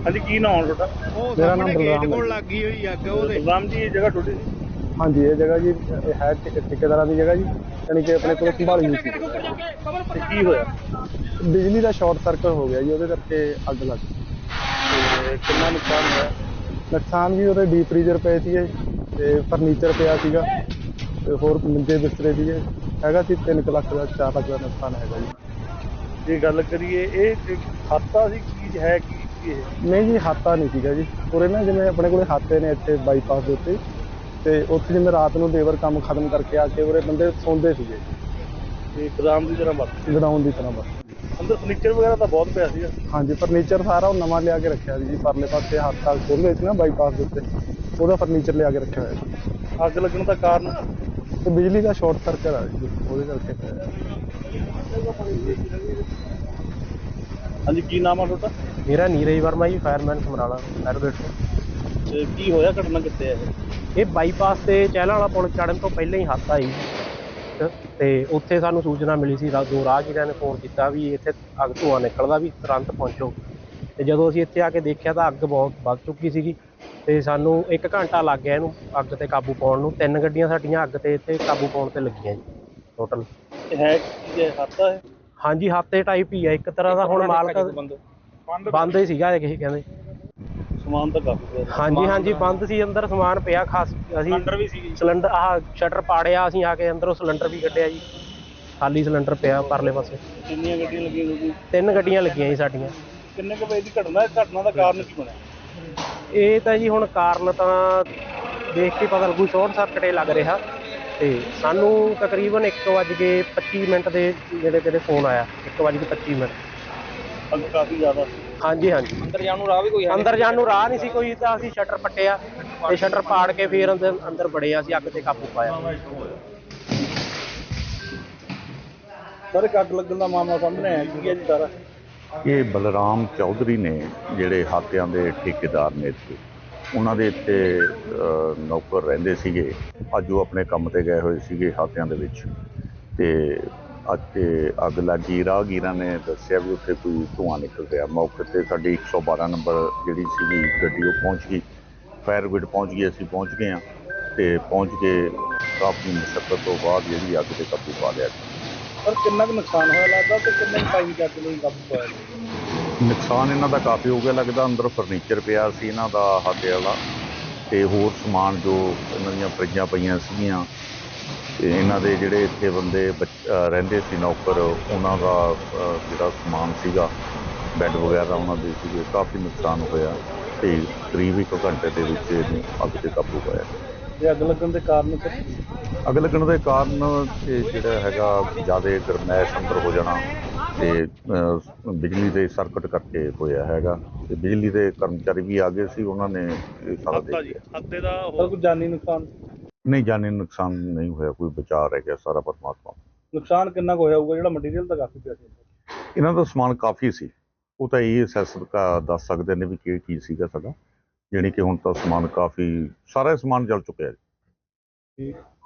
हाँ जी, की नाम है ਤੁਹਾਡਾ? मेरा नाम बलराम है। ਕੋਲ ਲੱਗੀ ਹੋਈ ਅੱਗ ਉਹਦੇ। ਬਲਰਾਮ ਜੀ, ਇਹ ਜਗ੍ਹਾ ਤੁਹਾਡੀ ਸੀ? हाँ जी, ये जगह जी है ठेकेदार की जगह जी, यानी कि अपने को संभाली नहीं सी। ਤੇ ਕੀ ਹੋਇਆ? बिजली का शॉर्ट सर्किट हो गया जी, ਉਹਦੇ ਕਰਕੇ ਅੱਗ ਲੱਗ ਗਈ। ਤੇ ਕਿੰਨਾ ਨੁਕਸਾਨ ਹੋਇਆ? ਨੁਕਸਾਨ ਵੀ ਉਹਦੇ ਡੀਪ ਫਰੀਜ਼ਰ ਪਏ ਸੀਗੇ ਤੇ ਫਰਨੀਚਰ ਪਿਆ ਸੀਗਾ ਤੇ ਹੋਰ ਮੰਜੇ ਬਿਸਤਰੇ ਸੀਗੇ, ਹੈਗਾ ਸੀ 3 ਲੱਖ ਦਾ 4 ਲੱਖ ਦਾ ਨੁਕਸਾਨ ਹੈਗਾ ਜੀ। ਜੇ ਗੱਲ ਕਰੀਏ ਇਹ ਹਾਦਸਾ ਸੀ ਕੀ ਹੈ ਕੀ ਇਹ? ਨਹੀਂ ਜੀ, ਹਾਤਾ ਨਹੀਂ ਸੀਗਾ ਜੀ। ਉਰੇ ਨਾ ਜਿਵੇਂ ਆਪਣੇ ਕੋਲੇ ਹਾਤੇ ਨੇ ਇੱਥੇ ਬਾਈਪਾਸ ਦੇ ਉੱਤੇ, ਤੇ ਉੱਥੇ ਜਿਵੇਂ ਰਾਤ ਨੂੰ ਲੇਬਰ ਕੰਮ ਖਤਮ ਕਰਕੇ ਆ ਕੇ ਉਰੇ ਬੰਦੇ ਸੌਂਦੇ ਸੀਗੇ ਤੇ ਗੋਦਾਮ ਦੀ ਤਰ੍ਹਾਂ ਵਰਤ ਗਡਾਊਨ ਦੀ ਤਰ੍ਹਾਂ ਬਸ। ਅੰਦਰ ਫਰਨੀਚਰ ਵਗੈਰਾ ਤਾਂ ਬਹੁਤ ਪਿਆ ਸੀਗਾ। ਹਾਂਜੀ, ਫਰਨੀਚਰ ਸਾਰਾ ਉਹ ਨਵਾਂ ਲਿਆ ਕੇ ਰੱਖਿਆ ਸੀ ਜੀ, ਪਰਲੇ ਪਾਸੇ ਹਾਤਾ ਖੋਲ੍ਹੇ ਸੀ ਨਾ ਬਾਈਪਾਸ ਦੇ ਉੱਤੇ, ਉਹਦਾ ਫਰਨੀਚਰ ਲਿਆ ਕੇ ਰੱਖਿਆ ਹੋਇਆ ਸੀ। ਅੱਗ ਲੱਗਣ ਦਾ ਕਾਰਨ? ਤੇ ਬਿਜਲੀ ਦਾ ਸ਼ਾਰਟ ਸਰਕਟ ਆ ਜੀ, ਉਹਦੇ ਕਰਕੇ ਹੋਇਆ। ਹਾਂਜੀ, ਕੀ ਨਾਮ ਆ ਤੁਹਾਡਾ? ਮੇਰਾ ਨੀਰਜ ਵਰਮਾ ਜੀ, ਫਾਇਰਮੈਨ ਸਮਰਾਲਾ ਫਾਇਰਬ੍ਰਿਗੇਡ ਤੋਂ। ਤੇ ਕੀ ਹੋਇਆ, ਘਟਨਾ ਕਿੱਥੇ ਹੈ ਇਹ ਬਾਈਪਾਸ ਤੇ ਚਹਿਲਾਂ ਵਾਲਾ ਪੁਲ ਚੜ੍ਹਨ ਤੋਂ ਪਹਿਲਾਂ ਹੀ ਹਾਦਸਾ ਆਈ ਤੇ ਉੱਥੇ ਸਾਨੂੰ ਸੂਚਨਾ ਮਿਲੀ ਸੀ, ਦੋ ਰਾਹਗੀਰਾਂ ਨੇ ਫੋਨ ਕੀਤਾ ਵੀ ਇੱਥੇ ਅੱਗ ਧੂੰਆਂ ਨਿਕਲਦਾ, ਵੀ ਤੁਰੰਤ ਪਹੁੰਚੋ। ਤੇ ਜਦੋਂ ਅਸੀਂ ਇੱਥੇ ਆ ਕੇ ਦੇਖਿਆ ਤਾਂ ਅੱਗ ਬਹੁਤ ਵੱਧ ਚੁੱਕੀ ਸੀਗੀ ਤੇ ਸਾਨੂੰ 1 ਘੰਟਾ ਲੱਗ ਗਿਆ ਇਹਨੂੰ ਅੱਗ ਤੇ ਕਾਬੂ ਪਾਉਣ ਨੂੰ। 3 ਗੱਡੀਆਂ ਸਾਡੀਆਂ ਅੱਗ ਤੇ ਇੱਥੇ ਕਾਬੂ ਪਾਉਣ ਤੇ ਲੱਗੀਆਂ ਜੀ ਟੋਟਲ। ਹੈ ਕੀ ਹੈ, ਹਾਦਸਾ ਹੈ? ਹਾਂਜੀ, ਹਾਤੇ ਟਾਈਪ ਹੀ ਆ ਇੱਕ ਤਰ੍ਹਾਂ ਦਾ। ਹੁਣ ਮਾਲਕ ਬੰਦ ਹੀ ਸੀਗਾ ਇਹ ਕਹਿੰਦੇ। ਸਮਾਨ ਤਾਂ ਕਾਫੀ ਪਿਆ। ਹਾਂਜੀ ਹਾਂਜੀ, ਬੰਦ ਸੀ, ਅੰਦਰ ਸਮਾਨ ਪਿਆ ਖਾਸ। ਅਸੀਂ ਸਿਲੰਡਰ ਵੀ ਸੀ? ਸਿਲੰਡਰ ਆਹ ਸ਼ਟਰ ਪਾੜਿਆ, ਅਸੀਂ ਆ ਕੇ ਅੰਦਰੋਂ ਸਿਲੰਡਰ ਵੀ ਕੱਢਿਆ ਜੀ, ਖਾਲੀ ਸਿਲੰਡਰ ਪਿਆ ਪਰਲੇ ਪਾਸੇ। ਕਿੰਨੀਆਂ ਗੱਡੀਆਂ ਲੱਗੀਆਂ ਤੁਸੀਂ? 3 ਗੱਡੀਆਂ ਲੱਗੀਆਂ ਜੀ ਸਾਡੀਆਂ। ਕਿੰਨੇ ਕੁ ਵਜੇ ਦੀ ਘਟਨਾ ਹੈ? ਘਟਨਾ ਦਾ ਕਾਰਨ ਕੀ ਬਣਿਆ? ਇਹ ਤਾਂ ਜੀ ਹੁਣ ਕਾਰਨ ਤਾਂ ਦੇਖ ਕੇ ਪਤਾ ਲੱਗੂ, ਸ਼ਾਰਟ ਸਰਕਟ ਹੀ ਲੱਗ ਰਿਹਾ। ਤੇ ਸਾਨੂੰ ਤਕਰੀਬਨ 1:25 ਦੇ ਜਿਹੜੇ ਫੋਨ ਆਇਆ, 1:25। ਅੱਗ ਕਾਫੀ ਜ਼ਿਆਦਾ? ਹਾਂਜੀ ਹਾਂਜੀ, ਅੰਦਰ ਜਾਣ ਨੂੰ ਰਾਹ ਵੀ ਕੋਈ ਅੰਦਰ ਜਾਣ ਨੂੰ ਰਾਹ ਨਹੀਂ ਸੀ ਕੋਈ, ਤਾਂ ਅਸੀਂ ਸ਼ਟਰ ਪੱਟਿਆ ਤੇ ਸ਼ਟਰ ਪਾੜ ਕੇ ਫਿਰ ਅੰਦਰ ਵੜੇ, ਅਸੀਂ ਅੱਗ ਤੇ ਕਾਬੂ ਪਾਇਆ। ਸਰ, ਇੱਕ ਅੱਗ ਲੱਗਣ ਦਾ ਮਾਮਲਾ ਸਾਹਮਣੇ ਆਇਆ, ਕੀ ਹੈ ਜੀ ਸਾਰਾ? ਇਹ ਬਲਰਾਮ ਚੌਧਰੀ ਨੇ, ਜਿਹੜੇ ਹਾਤਿਆਂ ਦੇ ਠੇਕੇਦਾਰ ਨੇ ਇੱਥੇ, ਉਹਨਾਂ ਦੇ ਇੱਥੇ ਨੌਕਰ ਰਹਿੰਦੇ ਸੀਗੇ। ਅੱਜ ਉਹ ਆਪਣੇ ਕੰਮ ਤੇ ਗਏ ਹੋਏ ਸੀਗੇ ਹਾਤਿਆਂ ਦੇ ਵਿੱਚ, ਤੇ ਅੱਜ ਤੇ ਅੱਗ ਲੱਗੀ। ਰਾਹਗੀਰਾਂ ਨੇ ਦੱਸਿਆ ਵੀ ਉੱਥੇ ਕੋਈ ਧੂੰਆਂ ਨਿਕਲ ਰਿਹਾ। ਮੌਕੇ 'ਤੇ ਸਾਡੀ 112 ਨੰਬਰ ਜਿਹੜੀ ਸੀਗੀ ਗੱਡੀ ਉਹ ਪਹੁੰਚ ਗਈ, ਫਾਇਰ ਬ੍ਰਿਗੇਡ ਪਹੁੰਚ ਗਈ, ਅਸੀਂ ਪਹੁੰਚ ਗਏ ਹਾਂ ਤੇ ਪਹੁੰਚ ਕੇ ਕਾਫੀ ਮੁਸ਼ੱਕਤ ਤੋਂ ਬਾਅਦ ਜਿਹੜੀ ਅੱਗ 'ਤੇ ਕਾਬੂ ਪਾ ਲਿਆ। ਸਰ, ਕਿੰਨਾ ਕੁ ਨੁਕਸਾਨ ਹੋਇਆ ਲੱਗਦਾ ਤੇ ਕਿੰਨੇ ਟਾਈਮ ਚ ਅੱਗ ਨੂੰ ਕਾਬੂ ਪਾਇਆ? ਨੁਕਸਾਨ ਇਹਨਾਂ ਦਾ ਕਾਫੀ ਹੋ ਗਿਆ ਲੱਗਦਾ। ਅੰਦਰ ਫਰਨੀਚਰ ਪਿਆ ਸੀ ਇਹਨਾਂ ਦਾ ਹਾਤੇ ਵਾਲਾ, ਤੇ ਹੋਰ ਸਮਾਨ ਜੋ ਇਹਨਾਂ ਦੀਆਂ ਫਰਿੱਜਾਂ ਪਈਆਂ ਸੀਗੀਆਂ, ਤੇ ਇਹਨਾਂ ਦੇ ਜਿਹੜੇ ਇੱਥੇ ਬੰਦੇ ਰਹਿੰਦੇ ਸੀ ਨੌਕਰ, ਉਹਨਾਂ ਦਾ ਜਿਹੜਾ ਸਮਾਨ ਸੀਗਾ, ਬੈੱਡ ਵਗੈਰਾ ਉਹਨਾਂ ਦੇ ਸੀਗੇ। ਕਾਫੀ ਨੁਕਸਾਨ ਹੋਇਆ ਤੇ ਕਰੀਬ 1 ਘੰਟੇ ਦੇ ਵਿੱਚ ਇਹਨੂੰ ਅੱਗ 'ਤੇ ਕਾਬੂ ਪਾਇਆ। ਤੇ ਅੱਗ ਲੱਗਣ ਦੇ ਕਾਰਨ ਸਰ? ਅੱਗ ਲੱਗਣ ਦੇ ਕਾਰਨ ਇਹ ਜਿਹੜਾ ਹੈਗਾ ਜ਼ਿਆਦਾ ਗਰਮੈਸ਼ ਅੰਦਰ ਹੋ ਜਾਣਾ ਤੇ ਬਿਜਲੀ ਦੇ ਸਰਕਟ ਕਰਕੇ ਹੋਇਆ ਹੈਗਾ। ਤੇ ਬਿਜਲੀ ਦੇ ਕਰਮਚਾਰੀ ਵੀ ਆ ਗਏ ਸੀ, ਉਹਨਾਂ ਨੇ ਇਹ ਸਾਰਾ ਦੇਖਿਆ। ਹਾਦਸੇ ਦਾ ਹੋਰ ਕੋਈ ਜਾਨੀ ਨੁਕਸਾਨ? ਨਹੀਂ, ਜਾਨੀ ਨੁਕਸਾਨ ਨਹੀਂ ਹੋਇਆ, ਕੋਈ ਬਚਾਅ ਰਹਿ ਗਿਆ, ਸਾਰਾ ਪਰਮਾਤਮਾ। ਨੁਕਸਾਨ ਕਿੰਨਾ ਕੁ ਹੋਇਆ ਹੋਊਗਾ? ਜਿਹੜਾ ਮਟੀਰੀਅਲ ਤਾਂ ਕਾਫੀ ਪਿਆ ਸੀ। ਇਹਨਾਂ ਦਾ ਸਮਾਨ ਕਾਫੀ ਸੀ, ਉਹ ਤਾਂ ਇਹ ਅਸੈਸ ਦੱਸ ਸਕਦੇ ਨੇ ਵੀ ਕੀ ਚੀਜ਼ ਸੀਗਾ ਸਾਡਾ। ਜਾਣੀ ਕਿ ਹੁਣ ਤਾਂ ਸਮਾਨ ਕਾਫੀ, ਸਾਰਾ ਸਮਾਨ ਜਲ ਚੁੱਕਿਆ ਜੀ। ਠੀਕ।